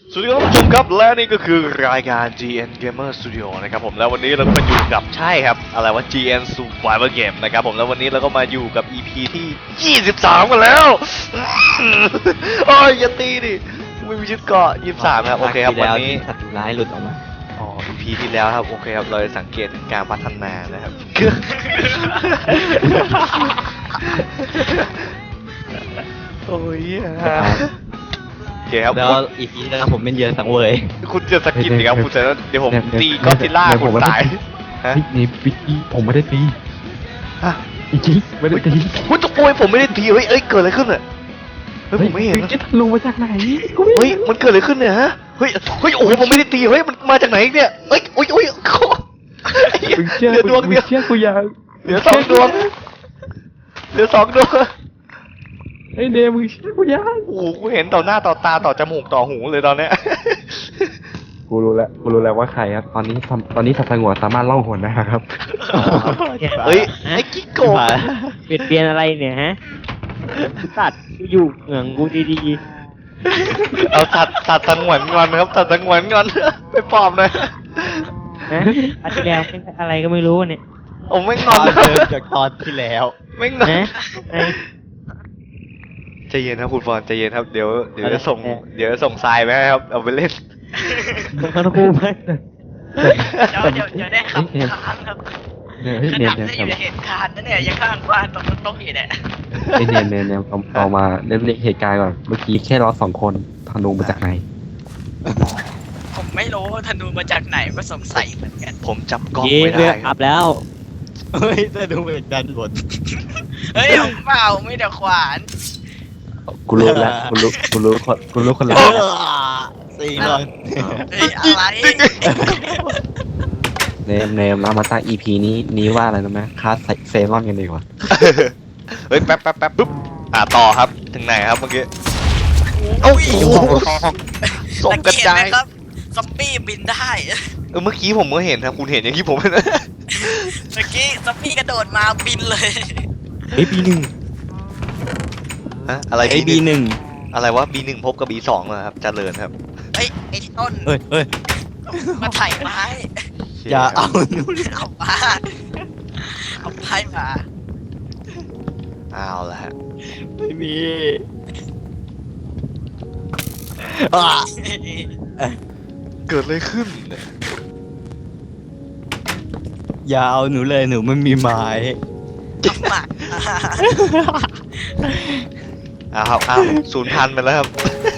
สวัสดีครับท่านผู้ชมครับและนี่ก็คือรายการ GN Gamer Studio นะครับผมแล้ววันนี้เราก็มาอยู่กับใช่ครับอะไรว่า GN Survival Game นะครับผมแล้ววันนี้เราก็มาอยู่กับ EP ที่23กันแล้วโอ้ยอย่าตีดิไม่มีชุดเกราะ23ครับโอเคครับวันนี้สัตว์ร้ายหลุดออกมาอ๋อ EP ที่แล้วครับโอเคครับเราจะสังเกตถึงการพัฒนานะครับ โอ้ยโอเคครับแล้วอีพีแล้วผมเป็นเหยื่อสังเวยคุณจะสกินดิครับคุณจะเดี๋ยวผมตีก็อดซิลล่าคุณตายฮะนี่พี่ผมไม่ได้ตีฮะจริงๆไม่ได้ตีคุณจะโวยผมไม่ได้ตีเฮ้ยเกิดอะไรขึ้นอ่ะเฮ้ยผมไม่เห็นจะลงมาจากไหนเฮ้ยมันเกิดอะไรขึ้นเนี่ยฮะเฮ้ยโอ้โหผมไม่ได้ตีเฮ้ยมันมาจากไหนเนี่ยเฮ้ยโอ้ยเหลือดวงเดียวเชื่อกูยังเหลือ2 ดวงเหลือ2 ดวงไอ้เดมึงเชื่อกูยังโอ้โหกูเห็นต่อหน้าต่อตาต่อจมูกต่อหูเลยตอนเนี้ยกูรู้แล้วว่าใครครับตอนนี้สัตว์สงวนสามารถล่องหนได้ครับเฮ้ยไอ้กิ๊กโกะเปลี่ยนอะไรเนี่ยฮะสัตว์กูอยู่เหมืองกูดีเอาสัตว์สงวนงอนครับสัตว์สงวนงอนไปปลอบหน่อยๆนะอันที่แล้วเป็นอะไรก็ไม่รู้เนี่ยโอ้ไม่งอนจากตอนที่แล้วไม่งอนนะไอ้ใจเย็นครับคุณฟอนใจเย็นครับเดี๋ยวจะส่งทรายไปให้ครับเอาไปเล่นมันคู่ไหมเดี๋ยวได้ขับค้างครับเนี่ยขเนี่ยนาดเนี่ยได้อยู่ในเหตุการณ์นะเนี่ยยังข้างบ้านตรงโต๊ะอยู่เนี่ยเนี่ยเอามาเล่นเหตุการณ์ก่อนเมื่อกี้แค่เรา2 คนธนูมาจากไหนผมไม่รู้ธนูมาจากไหนก็สงสัยเหมือนกันผมจับกล้องเย้ไม่เลืได้อกคอัรับพแล้วเฮ้ยจะดูเป็นดันหมดเฮ้ยผมเปล่าไม่เดี๋ยวขวานกูรู้แล้วกูรู้คนละสี่นอนเฮ้ยอะไรเนมเรามาตั้ง EP นี้ว่าอะไรรู้ไหมคลาสเซรอนกันดีกว่าเฮ้ยแป๊บปุ๊บต่อครับถึงไหนครับเมื่อกี้โอ้โหส่งกระจายเห็นไหมครับซอมบี้บินได้เมื่อกี้ผมก็เห็นครับคุณเห็นอย่างที่ผมเห็นเมื่อกี้ซอมบี้กระโดดมาบินเลยเฮ้ยB1 ฮะอะไรไอ้ B1 อะไรวะ B1 พบกับ B2 เหรอครับเจริญครับเฮ้ยไอ้ต้นเฮ้ยมาไถ่ไม้อย่าเอาหนูเอามาเอาไม้มาเอาละฮะไม่มีเกิดอะไรขึ้นเนี่ยอย่าเอาหนูเลยหนูไม่มีไม้เอามาครับ0,000ไปแล้วครับ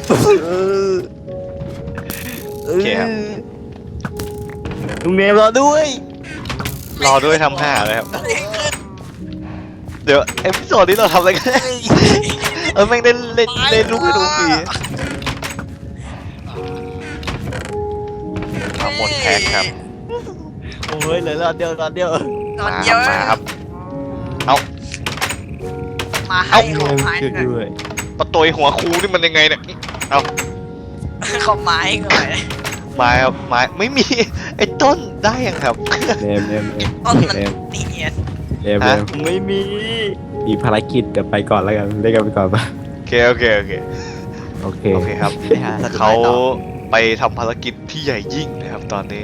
โอเคครับลุงเนมรอด้วยรอด้วยทำ5เลยครับ เดี๋ยวเอพิโซดนี้เราทำอะไรกันแม่งเล่นลูกให้ดูฟรีมาหมดแพ็คครับโอ้ยเหลือรอดเดียวตอนมาเดียวครับเอามาให้ของไม้ช่วยด้วยประตูหัวคูนี่มันยังไงเนี่ยเอาของไม้ก่อนไม้ครับไม้ไม่มีไอ้ต้นได้ยังครับเนมต้นมันเนียนฮะไม่มีมีภารกิจเดี๋ยวไปก่อนแล้วกันเล่นกันไปก่อนปะโอเคโอเคครับไปหาสเขาไตล์ต่อไปทำภารกิจที่ใหญ่ยิ่งนะครับตอนนี้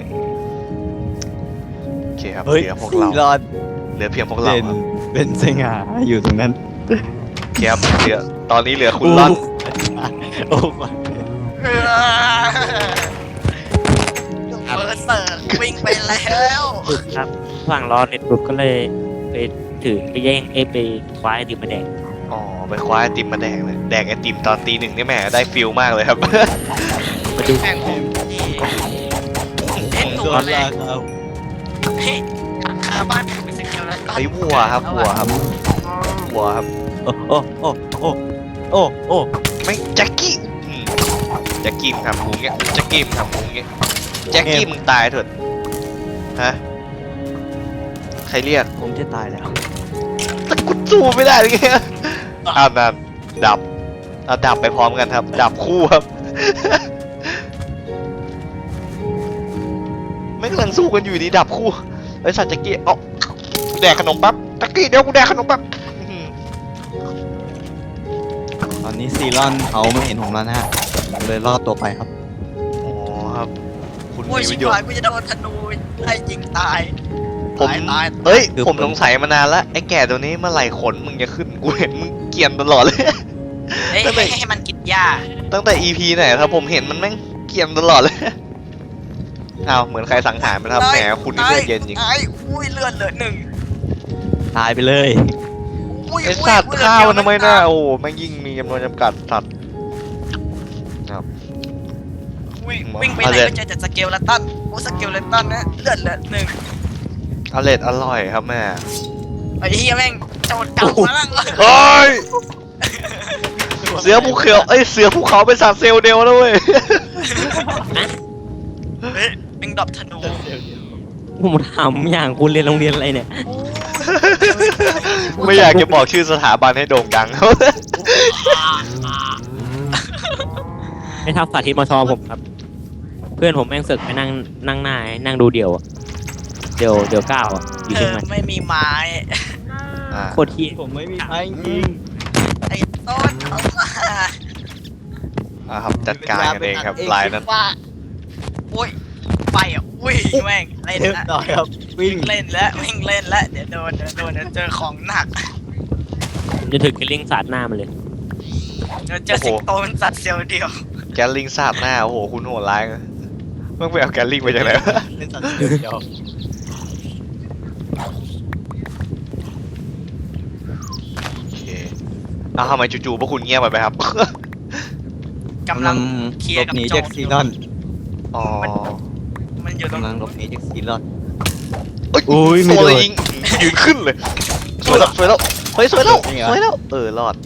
โอเคครับเฮ้ยเหลือพวกเรารอดเหลือเพียงพวกเราเป็นครับเป็นสง่าอยู่ตรงนั้นโอเคครับเหลือตอนนี้เหลือคุณล่อนโอ้เบอร์เซอร์วิ่งไปแล้วครับฝั่งรอเน็ตบุ๊กก็เลยไปถือไปแย่งไปคว้าไอติมมาแดกอ๋อไปคว้าไอติมมาแดกเลยแดกไอติมตอนตี 1นี่แหมได้ฟิลมากเลยครับมาดูแข่งผมที่เล่นหนูโดนเลยลากเอาเฮ้ยคาบ้านผมเป็นสกิลแล้วไอ้วัวครับวัวครับโอ้โอ้โอ้โอ้โอ้โอ้ไม่แจ็คกี้แจ็คกี้มึงทำกูเงี้ยแจ็คกี้มึงทำกูเงี้ยแจ็คกี้มึงตายเถิดฮะใครเรียกผมจะตายแล้วแต่กูสู้ไม่ได้เลยเงี้ยนั่นดับดับไปพร้อมกันครับ ดับคู่ครับ ไม่กำลังสู้กันอยู่ดีดับคู่ไอ้สัตว์แจ็คกี้เอาแดกขนมปั๊บแจ็คกี้เดี๋ยวกูแดกขนมปั๊บตอนนี้ซีรอนเขาไม่เห็นผมแล้วนะฮะเลยรอดตัวไปครับครับ คุณโอ้ยมีชิปบระโยชหายน์กูจะโดนธนูไล่ยิงตายผมตายเอ้ย ผมสงสัยมานานแล้วไอ้แก่ตัวนี้เมื่อไหร่ขนมึงจะขึ้น กูเห็นมึงเกรียนตลอดเลยเอ้ยทำไมให้มันกินหญ้าตั้งแต่ EP ไหนครับผมเห็นมันแม่งเกรียนตลอดเลย อ้าวเหมือนใครสังหารมันครับแหมคุณนี่เลือดเย็นจริงตายอุ้ยเลือดเหลือหนึ่งตายไปเลยอุ้ยไอ้อุ้ยสัตว์อุ้ยข้าวมันทำไมน่าเลือดโอ้โหแม่งยิ่งมีจำนวนจำกัดสัตว์ครับวิ่งไปไหนก็เจอแต่สเกลเลตันโอ้สเกลเลตันนะเลือดเหลือหนึ่งอร่อยครับแม่ไอ้เหี้ยแม่งโจรกลับมาแล้วเฮ้ย เสือภูเขาเอ้ยเสือภูเขาเป็นสัตว์เซลล์เดียวนะเว้ยเฮ้ยแม่งดรอปธนูผมถามอย่างคุณเรียนโรงเรียนอะไรเนี่ยไม่อยากจะบอกชื่อสถาบันให้โด่งดังเขาไม่เท่าสาธิตมชผมครับ เพื่อนผมแม่งเสึกไปนั่งหน้านั่งดูเดี่ยวอะเดี๋ยวก้าวอะอยู่เธเชียองใหม่ไม่มีไม้อ่าโคตรที่ผมไม่มีไม้จริงไอ้ต้นเอามาครับจัดการกันเองครับลายนั้นว่าโอ้ยไปอ่ะอุ้ยแม่งเล่นเรียบละร้อยครับวิ่งเล่นแล้ววิ่งเล่นแล้วเดี๋ยวโดนเดี๋ยวเจอของหนักผมจะถึงกิลลิ่งสาดหน้ามันเลยเดี๋ยวเจอสิงโตมันสัตว์เซลล์เดียวแกลลิงสาบหน้าโอ้โหคุณโหดร้ายนะมึงไปเอาแกลลิงไปจากไหนวะเป็นสัตว์เดียวโอเคอ้าวทำไมจู่ๆพวกคุณเงียบไปครับกำลังเคลียร์กับหนีโจจากรซีนอนอ๋อมันอยู่ตรงกำลังหลบหนีจากซีนอนเอ้ยอุ้ยไม่ตัวโดนยิงยืนขึ้นเลยสวยแล้วสวยแล้วเฮ้ยสวยแล้วจริงเหรอสวยแล้วรอด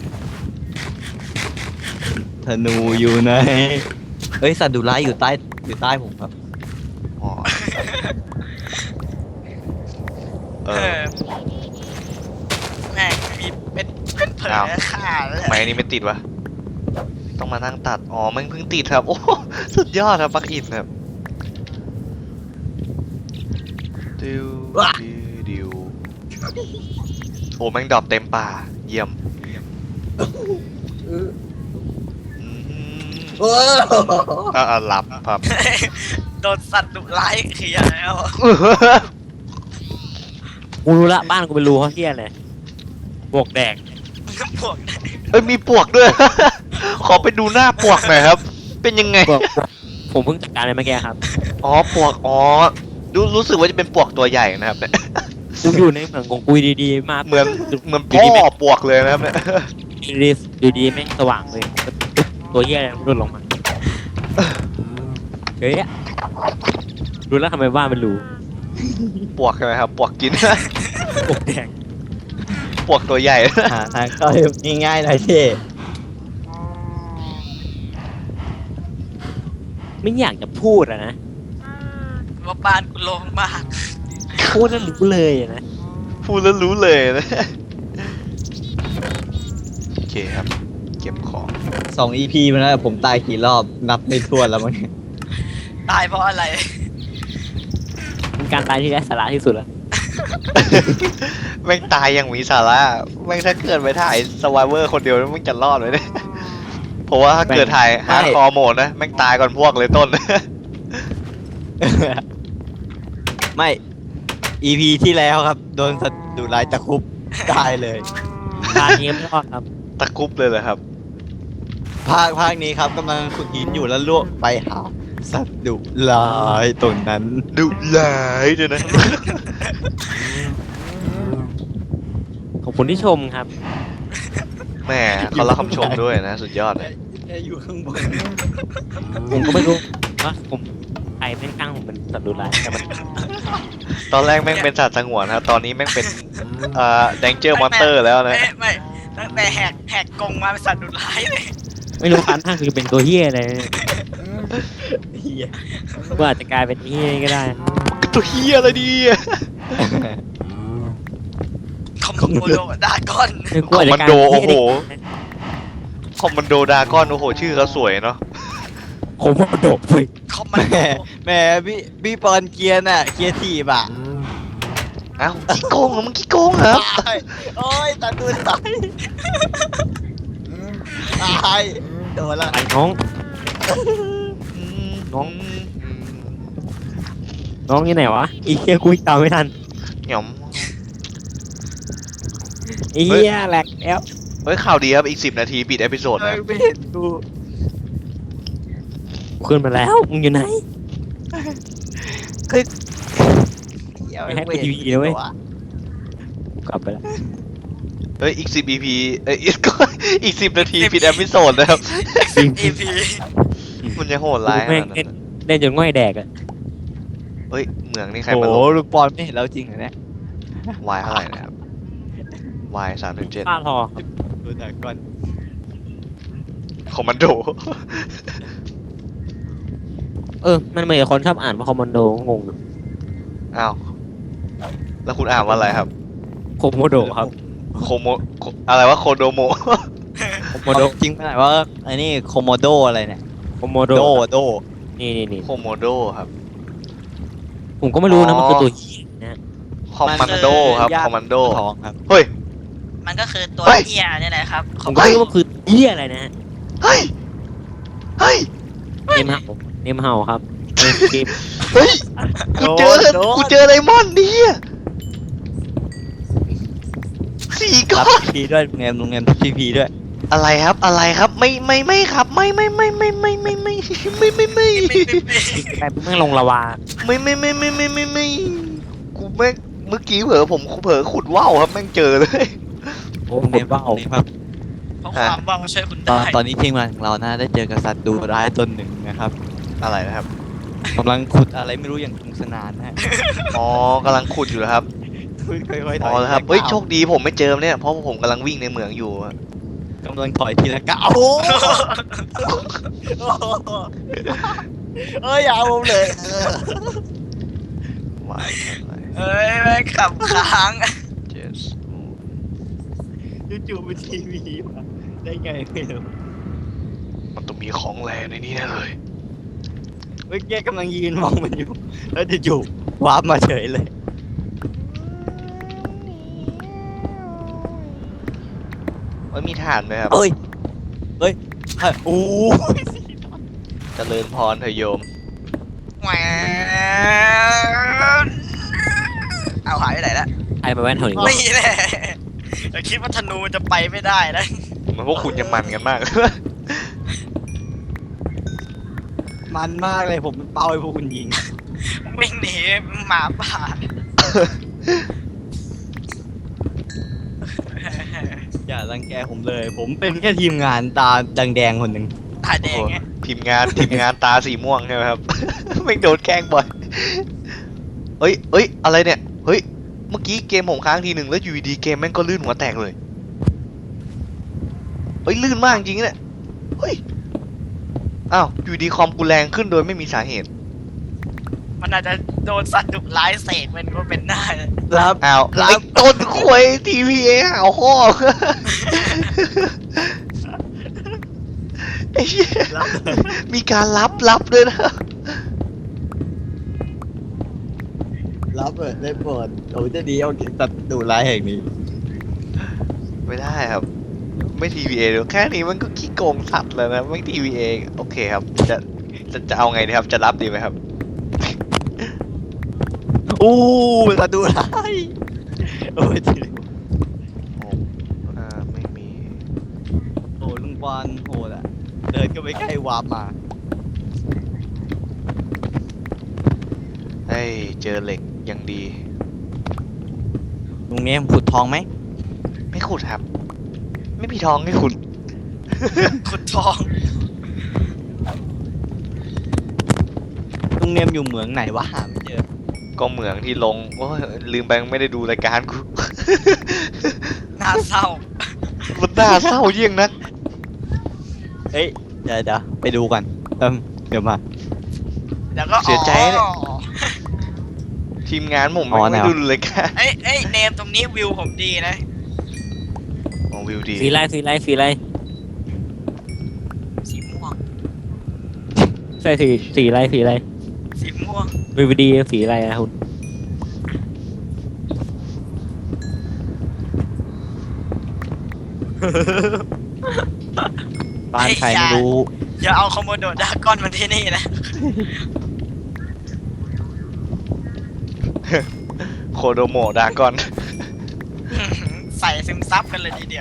ธนูอยู่ไหนเอ้ยสัตว์ดุร้ายอยู่ใต้ผมครับอ๋อเอเอออแม่งมีเป็นเผลออ้าวฆ่าเลยทำไมอันนี้ไม่ติดวะต้องมานั่งตัดอ๋อมันเพิ่งติดครับโอ้สุดยอดครับปลั๊กอินครับดิวดิวโอ้แม่งดรอปเต็มป่าเยี่ยมอืมหลับครับโดนสัตว์ดุร้ายเขียแล้วกูรู้ละบ้านกูเป็นรูเขาเที่ยเลยบวกแดกพวกนั้นเอ้ยมีปวกด้วย ขอไปดูหน้าปวกหน่อยครับ เป็นยังไงบวกผมเพิ่งจัดการไปเมื่อกี้ครับอ๋อปวกอ๋อรู้สึกว่าจะเป็นปวกตัวใหญ่นะครับเนี่ยกูอยู่ในเหมืองของกูดีๆมาเหมือนพ่อปวกเลยนะครับเนี่ยอยู่ดีแม่งสว่างเลยตัวเหี้ยอะไรมันหล่นลงมาเฮ้ยรู้แล้วทำไมบ้านเป็นรูปวกใช่ไหมครับปวกกินบวกแดกปวกตัวใหญ่หาทางเข้าง่ายๆหน่อยเท่ไม่อยากจะพูดอะนะว่าบ้านกูโล่งมากพูดแล้วรู้เลยอะนะพูดแล้วรู้เลยนะ โอเคครับ เก็บของ 2 EP มาแล้วผมตายกี่รอบนับไม่ถ้วนแล้วมั้งตายเพราะอะไรเป็นการตายที่ไร้สาระที่สุดแล้วแม่งตายอย่างมีสาระแม่งถ้าเกิดไปถ่ายสวายเวอร์คนเดียวแม่งจะรอดไหมเนี่ยเพราะว่าถ้าเกิดถ่ายฮาร์ดคอร์โหมดนะแม่งตายก่อนพวกเลยต้นไม่ EP ที่แล้วครับ โดนสัตว์ดุร้ายตะคุบตายเลยตายนี้ไม่รอดครับตะคุบเลยเหรอครับภาคนี้ครับกำลังขุดหินอยู่แล้วล่วงไปหาสัตว์ดุร้ายตรงนั้นดุร้ายด้วยนะขอบคุณที่ชมครับแหมเขารับคำชมด้วยนะ สุดยอดเลยอยู่ข้างบนผมก็ไม่รู้ว่าผมใครเป็นตั้งผมเป็นสัตว์ดุร้ายแต่มันตอนแรกแม่งเป็นสัตว์สงวนครับตอนนี้แม่งเป็นdanger monster แล้วนะไม่ตั้งแต่แหกกรงมาเป็นสัตว์ดุร้ายเลยไม่รู้คันท่างคือเป็นตัวเฮี้ยอะไรเหี้ยก็อาจจะกลายเป็นเฮี้ยก็ได้ตัวเฮียอะไรดีอะคอมโบโดดากอนคอมมานโดโอ้โห คอมมานโดดากอนโอ้โหชื่อเขาสวยเนาะผมว่าโดดเลยคอมมันโดแหมพี่ปอนเกียร์น่ะเกียร์ทีบอ่ะเอ้าขี้โกงเหรอมึงขี้โกงเหรอตายโอ้ยตาดูตายตายโดนละไอ้น้องอืมน้องน้องอยู่ไหนวะอีเหี้ยกูตามไม่ทันหย่อมอีเหี้ยแหลกแล้วเฮ้ยข่าวดีครับอีก10 นาทีปิดเอพิโซดนะไม่เห็นกูขึ้นมาแล้วมึงอยู่ไหน ไม่ให้กูทีวีเลยเว้ย กลับไปแล้วเฮ้ยอีก10 EP เอ้ยอีก10 นาทีปิดเอพิโซดนะครับ EP มันจะโหดร้ายขแม่งนาดเล่นั้น นเล่นจนง่อยแดกอะเฮ้ยเหมืองนี่ใครโอ้มาโหลงลูกบอลไม่เห็นแล้วจริงเหรอเนี่ยวายเท่าไหร่นะครับวาย3-7 ค่าทอดูหนังก่อนคอมมานโดมันเหมือนคนชอบอ่านว่าคอมมานโดงงอ้าวแล้วคุณอ่านว่าอะไรครับโคโมโดครับโคโมอะไรวะโคโดโมโคโมมาโดดูจริงขนาดว่าไอ้นี่โคโมโดอะไรเนี่ยโคโมโดโดนี่โคโมโดครับผมก็ไม่รู้นะอ๋อมันคือตัวเหี้ยนะคอมมานโดครับย่าคอมมานโดทองครับเฮ้ยมันก็คือตัวเฮ้ยเหี้ยนี่แหละครับผมก็ไม่รู้ว่าคือเหี้ยอะไรนะฮะเฮ้ยเฮ้ยเนมเฮาครับเกมเฮ้ยกูเจอโดนกูเจอไดมอนด์ดิสี่ก้รัอบ นพีด้วยโรงเรียนพีด้วยอะไรครับอะไรครับไม่ครับไม่แต่แม่งลงละวาไม่กูแม่งเมื่อกี้ผมเผลอขุดว่าวครับแม่งเจอเลยโอ้โรงโหเรียนว้าวครับเพราะความว่างช่วยคุณตอได้นนี้ทีมงานของเรานะได้เจอกับสัตว์ดุร้ายตนหนึ่งนะครับอะไรนะครับกำลังขุดอะไรไม่รู้อย่างสนุกสนานนะฮะอ๋อกำลังขุดอยู่นะครับค่อยๆถอ๋ออย ครับเฮ้ยโชคดีผมไม่เจอเนี่ยเพราะผมกำลังวิ่งในเหมืองอยู่อะกำลังถอยทีละก้าวโอ้เอ้ยเอาผมเลยวายอะไรเอ้ยแม่งขับค้างเจสจู่ๆเป็นทีวีมาได้ไงไม่รู้มันต้องมีของแรงในนี้แน่เลยเมื่อกี้กำลังยืนมองมันอยู่ แล้วจู่ๆวาร์ปมาเฉยเลยมีฐานไหมครับเอ้ยโอ้ยเจริญพรเถอะโยมแหวนเอาหายไปไหนละไอ้มาแว่นเท่านี้นี่แหละแต่คิดว่าธนูจะไปไม่ได้นะมันพวกคุณยังมันกันมากมันมากเลยผมเป็นเป้าให้พวกคุณยิงวิ่งหนีหมาป่าอย่ารังแกผมเลย ผมเป็นแค่ทีมงานตาแดงๆคนหนึ่งตาแดงไงทีมงานตาสีม่วงใช่ไหมครับ ไม่งโดนแกล้งบ่อยเอ้ยอะไรเนี่ยเฮ้ยเมื่อกี้เกมผมค้างทีหนึ่งแล้วอยู่ดีๆเกมแม่งก็ลื่นหัวแตกเลยเฮ้ยลื่นมากจริงๆเนี่ยเฮ้ยอ้าวอยู่ดีคอมกูแรงขึ้นโดยไม่มีสาเหตุมันอาจจะโดนสัตว์ดุร้ายเสกมันก็เป็นได้นะรับอ้าวรับไอ้ต้นควยทีวีเอเอาข้อ ไอ้เหี้ยมีการรับด้วยนะรับเปิดได้เปิดโอ้จะดีเอาตัดดูร้ายแห่งนี้ไม่ได้ครับ ไม่ทีวีเอแค่นี้มันก็ขี้โกงสัตว์แล้วนะไม่ทีวีเอโอเคครับจะเอาไงดีครับจะรับดีไหมครับอู้ตัดดูร้ายโอ้ยทีไม่มีโอ้ลุงบอลโหดอ่ะเดินก็ไม่ใกล้วาร์ปมาเฮ้ยเจอเหล็กยังดีลุงเนี้ยขุดทองไหมไม่ขุดครับ ไม่มีทองให้ขุดขุดทองลุงเนียมอยู่เหมืองไหนวะหาไม่เจอก็เหมืองที่ลงโอ้ยลืมไปไม่ได้ดูรายการกูน่าเศร้ามันน่าเศร้าเยี่ยงนักเฮ้ยเดี๋ยวไปดูกันเดี๋ยวมาแล้วก็เสียใจเนี่ยอ๋อทีมงานผมอ๋อไม่แนวดูรายการเอ้ยเนมตรงนี้วิวผมดีนะของวิวดีสีไรสีม่วงใช่สีไรสีม่วงวีวีดีสีอะไรนะคุณบ้านใครไม่รู้อย่าเอาคอมโมโดดากอนมาที่นี่นะโคโดโมดากอนใส่ซึมซับกันเลยทีเดียว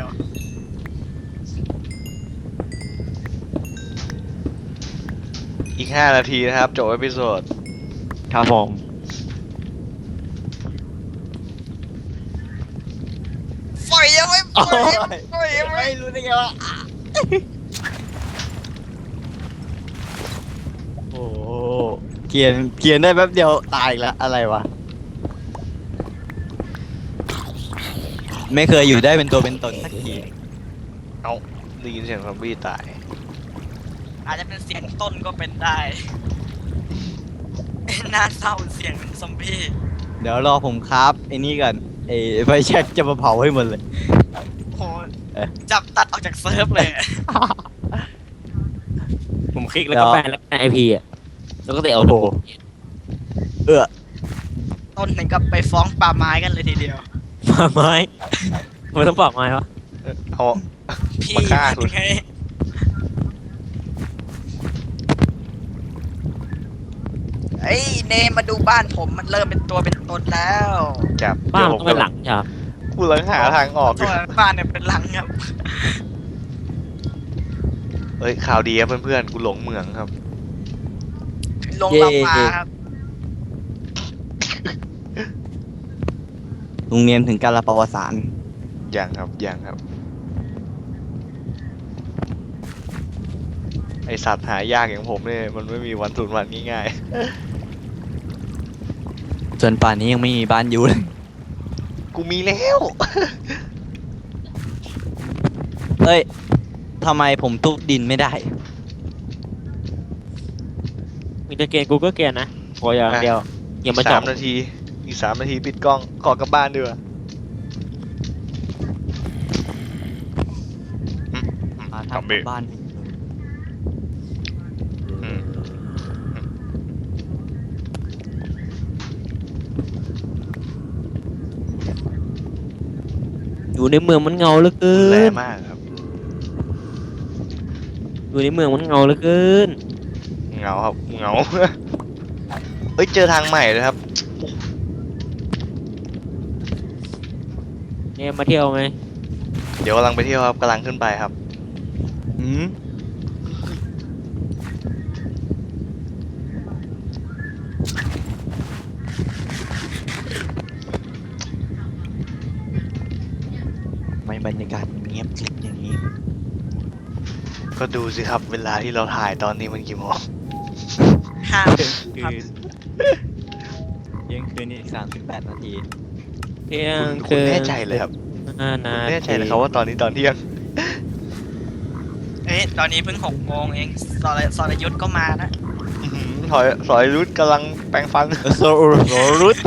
อีก 5 นาทีนะครับจบเอพิโซดครับผมปล่อยยังไม่ปล่อยปล่อยยังไม่ไม่รู้ได้ไงวะโอ้โหเขียนได้แป๊บเดียวตายอีกแล้วอะไรวะ ไม่เคยอยู่ได้เป็นตัวเป็นตนสักทีเอ้าได้ยินเสียงซอมบี้ตายอาจจะเป็นเสียงต้นก็เป็นได้น่าเศร้าเสียงซอมบี้เดี๋ยวรอผมครับไอ้นี่ก่อนไอ้ไฟแช็กจะมาเผาให้หมดเลยโหจับตัดออกจากเซิร์ฟเลยผมคลิกแล้วก็แปลแล้วไอพีอ่ะแล้วก็เตะเอาโถเออต้นหนึ่งก็ไปฟ้องป่าไม้กันเลยทีเดียวป่าไม้ทำไมต้องป่าไม้วะเอาพี่มาฆ่ากูมันไงเอ้ยเนมมาดูบ้านผมมันเริ่มเป็นตัวเป็นตนแล้วจับบ้านเดี๋ยวต้องเป็นหลังใช่ไหมกูกำลังหาทางออกอตัยู่วบ้านเนี่ยเป็นหลังครับเอ้ยข่าวดีครับเพื่อนๆกูหลงเมืองครับลงลำมาครับโรงเรียนถึงการละประวัติศาสตร์ยังครับยังครับ ไอสัตว์หายากอย่างผมเนี่ยมันไม่มีวันสูญพันธุ์ง่ายจนป่านนี้ยังไม่มีบ้านอยู่เลยๆ กูมีแล้วเอ้ยทำไมผมทุบดินไม่ได้มีแต่เกณฑ์กูก็เกณฑ์นะขออย่างเดียวอย่ามาจับ 3 นาที อีก 3 นาทีปิดกล้อง ขอกลับบ้านดีกว่ามาซอมบี้ทำบ้านอืมอยู่ในเมืองมันเงาเหลือเกิแรนมากครับอยู่ในเมืองมันเงาเหลือเกินเหงาครับเหงา เฮ้ยเจอทางใหม่เลยครับเนี่ยมาเที่ยวไหมเดี๋ยวกำลังไปเที่ยวครับกำลังขึ้นไปครับหืมไม่บรรยากาศเงียบกริบอย่างนี้ก็ดูสิครับ เวลาที่เราถ่ายตอนนี้มันกี่โมงห้ามคือเที่ยงคืนอีก38 นาทีเที่ยงคุณแน่ใจเลยครับ 5 นาคุณทีแน่ใจเลยครับว่าตอนนี้ตอนเที่ยงเอ้ยตอนนี้เพิ่ง6 โมงเองสรยุทธก็มานะอื้อหือสอยรุดกำลังแปรงฟันโซรุส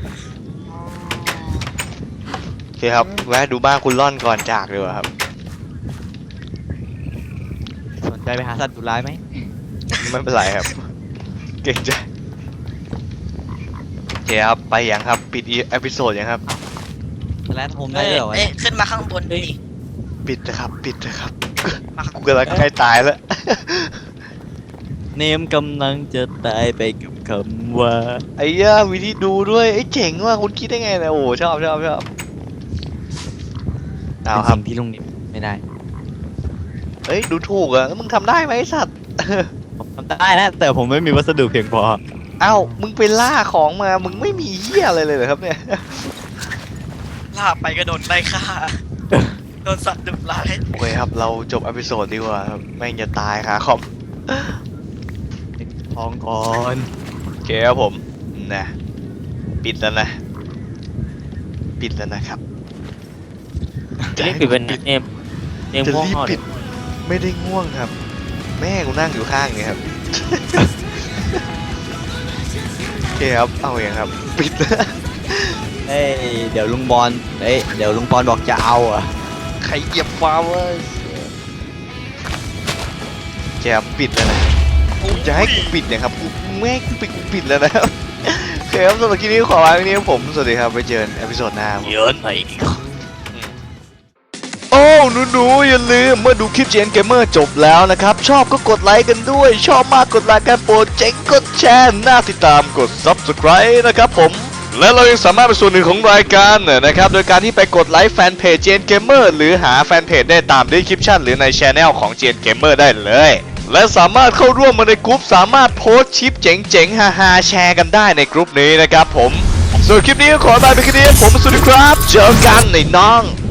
โอเคครับ แวะดูบ้านคุณล่อนก่อนจากดีกว่าครับสนใจไปหาสัตว์ดุร้ายไหมไม่เป็นไรครับ เก่งใจโอเคครับ ไปยังครับ ปิดอีเอพิโซดยังครับแลนโฮมได้ด้วยเหรอวะเอ้ยเนี่ยขึ้นมาข้างบนดิปิดนะครับ ปิดนะครับมาข้างกูบนกำลังใกล้ตายแล้วเนมกำลังจะตายไปกับคำว่าไอ้เหี้ยวิธีดูด้วยไอ้เจ๋งว่ะคุณคิดได้ไงเนี่ยโอ้โหชอบเอาเป็นครับสิ่งที่ลุงนิมไม่ได้เอ้ยดูถูกอ่ะแล้วมึงทำได้ไหมไอ้สัตว์ผมทำได้นะ แต่ผมไม่มีวัสดุเพียงพอเอ้ามึงไปล่าของมามึงไม่มีเหี้ยอะไรเลยเหรอครับเนี่ยลากไปก็โดนไล่ฆ่า โดนสัตว์ดุร้ายโอเคครับเราจบเอพิโซดดีกว่าครับแม่งจะตายค่ะคอมทองก่อนโอเคครับผมนะปิดแล้วนะ ปิดแล้วนะครับจะเรียกปิดเป็นเนมจะง่วงรีบนอนปิดไม่ได้ง่วงครับ แม่กูนั่งอยู่ข้างนี่ครับ โอเคครับเอาอย่างครับ ปิดแล้วเอ้ยเดี๋ยวลุงบอลเดี๋ยวลุงบอลบอกจะเอาอ่ะใครเหยียบฟ้าเว้ยโอเคครับปิดแล้วนะกูจะให้กูปิดเนี่ยครับกูแม่งกูปิดแล้วนะครับ โอเคครับสำหรับคลิปนี้ขอลาไปนี้ครับผมสวัสดีครับไปเจอกันเอพิโซดหน้าครับเยอะหน่อยโอ้หนูๆอย่าลืมเมื่อดูคลิป GN Gamer จบแล้วนะครับชอบก็กดไลค์กันด้วยชอบมากกดไลค์กันโปรดเจ๋งกดแชร์น่าติดตามกด Subscribe นะครับผมและเรายังสามารถเป็นส่วนหนึ่งของรายการนะครับโดยการที่ไปกดไลค์แฟนเพจ GN Gamer หรือหาแฟนเพจได้ตาม description หรือใน channel ของ GN Gamer ได้เลยและสามารถเข้าร่วมมาในกลุ่มสามารถโพสต์คลิปเจ๋งๆฮาๆแชร์กันได้ในกลุ่มนี้นะครับผมส่วนคลิปนี้ก็ขอลาไปแค่นี้ผมสวัสดีครับเจอกันในน้อง